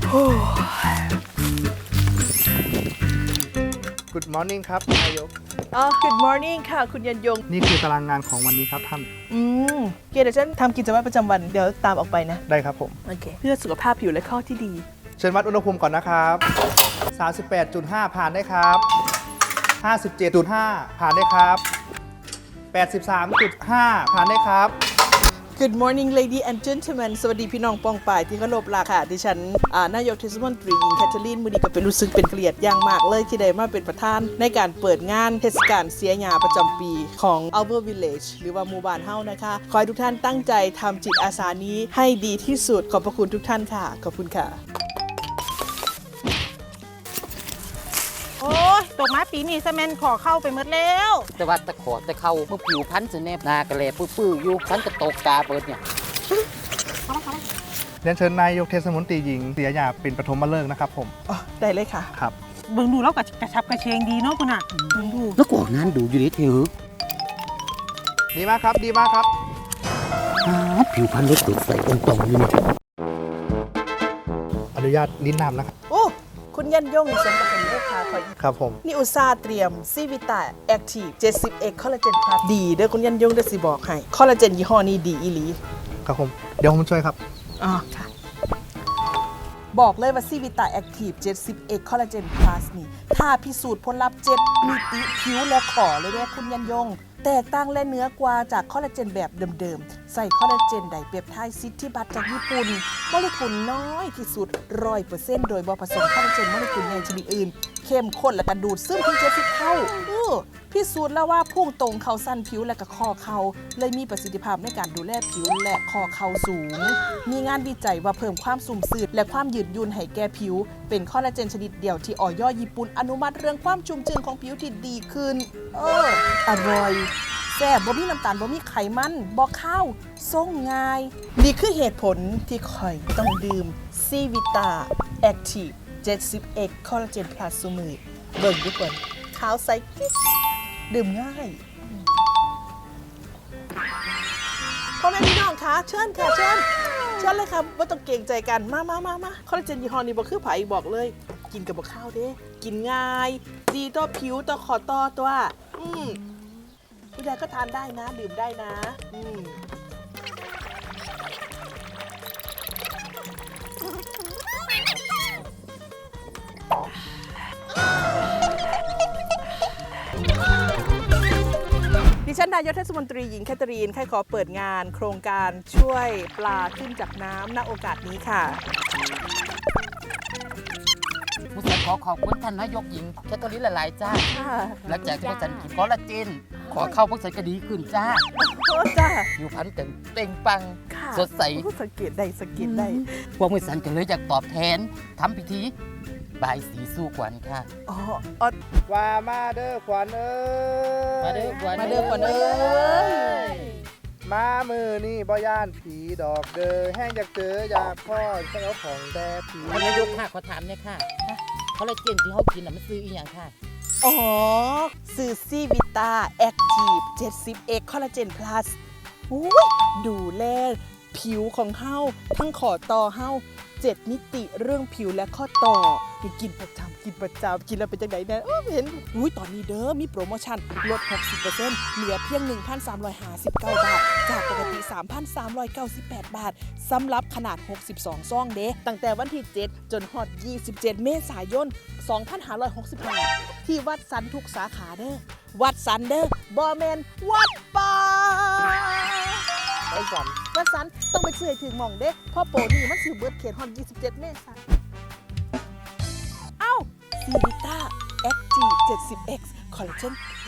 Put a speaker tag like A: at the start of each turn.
A: Good morning ครับนายก
B: Good morning ค่ะคุณยันยง
A: นี่คือตารางงานของวันนี้ครับท่าน
B: เดี๋ยวฉันทำกิจวัตรประจำวันเดี๋ยวตามออกไปนะ
A: ได้ครับผม
B: โอเคเพื่อสุขภาพผิวและข้อที่ดี
A: เชิญวัดอุณหภูมิก่อนนะครับ 38.5 ผ่านได้ครับ 57.5 ผ่านได้ครับ 83.5 ผ่านได้ครับ
B: Good morning lady and gentlemen สวัสดีพี่น้องปองป่ายที่เคารพรักค่ะดิฉันนายกเทศมนตรีหญิงแคทเธอรีนมือดีก็เป็นรู้สึกเป็นเกียรติอย่างมากเลยที่ได้มาเป็นประธานในการเปิดงานเทศกาลเสียหญ้าประจำปีของ Our Village หรือว่าหมู่บ้านเฮานะคะขอให้ทุกท่านตั้งใจทำจิตอาสานี้ให้ดีที่สุดขอบพระคุณทุกท่านค่ะขอบคุณค่ะ
C: โอ้ยตกมาปีนี้ซีเมนต์ขอเข้าไปหมดแล้ว
D: แต่ว่าตะขอตะเข้าเมื่อผิวพันธุ์จะแนบนากระเลปื้อๆอยู่พันกระตกตาเปิดเนี่ย
A: เรียนเชิญนายกเทศมนตรีหญิงเสียหญ้าเป็นปฐมฤกษ์นะครับผม
B: ได้เลยค่ะ
A: ครับ
C: เบิ่งดูแล้วก็กระชับกระเชงดีเนาะคุณอ่ะเบิ่งดู
D: แล้วก็งานดูอยู่ดิเถอะ
A: ดีมากครับดีมากครับ
D: ผิวพันธุ์เล็กสดใสตรงๆอยู่เนี่ย
A: อนุญาตลิ้นนำนะครับ
B: โอ้คุณยันยงสมกับเป็นเลขาคอย
A: ครับผม
B: นี่อุตสาห์เตรียมซีวิตาแอคทีฟ 70x คอลลาเจนพลัสดีเด้อคุณยันยงได้สิบอกให้คอลลาเจนยี่ห้อนี้ดีอีหลี
A: ครับผมเดี๋ยวผมช่วยครับ
B: ค่ะบอกเลยว่าซีวิตาแอคทีฟ 70x คอลลาเจนพลัสนี่ถ้าพิสูจน์ผลลัพธ์7มิติผิวและขอเลยเด้อคุณยันยงแตกต่างและเนื้อกว่าจากคอลลาเจนแบบเดิมๆใส่คอลลาเจนไดเปปไทด์ซิที่บัตจากญี่ปุ่นโมเลกุลน้อยที่สุด 100% โดยบ่ผสมคอลลาเจนโมเลกุลใหญ่ชนิดอื่นเข้มข้นและกระดูดซึมถึง70เท่าพิสูจน์แล้วว่าพุ่งตรงเข้าสั้นผิวและก็ข้อเข่าเลยมีประสิทธิภาพในการดูแลผิวและข้อเข่าสูงมีงานวิจัยว่าเพิ่มความสุ่มสืดและความยืดหยุ่นให้แก่ผิวเป็นคอลลาเจนชนิดเดียวที่อย.ญี่ปุ่นอนุมัติเรื่องความชุ่มชื้นของผิวที่ดีขึ้นอร่อยแซ่บบ่มีน้ำตาลบ่มีไขมันบ่ข้าวส่งง่ายนี่คือเหตุผลที่ข่อยต้องดื่มซีวิตาแอคทีฟ 70x คอลลาเจนพลัสซุมื้อเบิ่งทุกคนขาวใสกิ๊กดื่มง่ายพ่อแม่พี่น้องคะเชิญค่ะเชิญเลยค่ะว่าต้องเกรงใจกันมาคอลลาเจนยี่ห้อนี้บ่คือไผบอกเลยกินกับบ่ข้าวเด้กินง่ายดีต่อผิวต่อขอต่อตัวผู้ใดก็ทานได้นะดื่มได้นะดิฉันนายกเทศมนตรีหญิงแคทเธอรีนขอเปิดงานโครงการช่วยปลาขึ้นจากน้ำณโอกาสนี้ค่ะ
D: ผู้สันขอขอบคุณท่านนายกหญิงแคทเธอรีนหลายๆจ้าหลังจากที่ผู้สันกินคอลลาเจนขอเข้าพวกสันก็ดีขึ้นจ้าผิวพรรณเต่งปังสดใส
B: สังเกตได้
D: พวกผู้สันก็เลยอยากตอบแทนทำพิธีบายสีสู่ขวัญค่ะ
A: ว่ามาเด้อขวัญเอ้ย
D: มาเด้อขวัญ
B: เอ้ย
A: มามือนี่บ่ย่านผีดอกเด้อแห้งอยากเจออยากพ่อเจ้าของแต่ผี
D: นายกค่ะขอถามเนี่ยค่ะคอลลาเจนที่เขากินมันซื้ออีกอย่างค่ะ
B: ซื้อซีวิตาแอคทีฟ 70x คอลลาเจนพลัสดูแลผิวของเฮาทั้งขอต่อเฮา7มิติเรื่องผิวและข้อต่อกินประจำกินแล้วเป็นจังได๋นะเห็นตอนนี้เด้อมีโปรโมชั่นลด 60% เหลือเพียง 1,359 บาทจากปกติ 3,398 บาทสำหรับขนาด62ซองเด้ตั้งแต่วันที่7จนฮอด27เมษายน2565ที่วัดสันทุกสาขาเด้อวัดสันเด้อบ่แม่นวัดป่าวัดสันต้องไปซื้อให้ถึงหม่องเด้เพราะโปรนี่มันสิเบิดเขตฮอด27เมษายนซีวิต้าแอคทีฟ 70x คอลลาเจน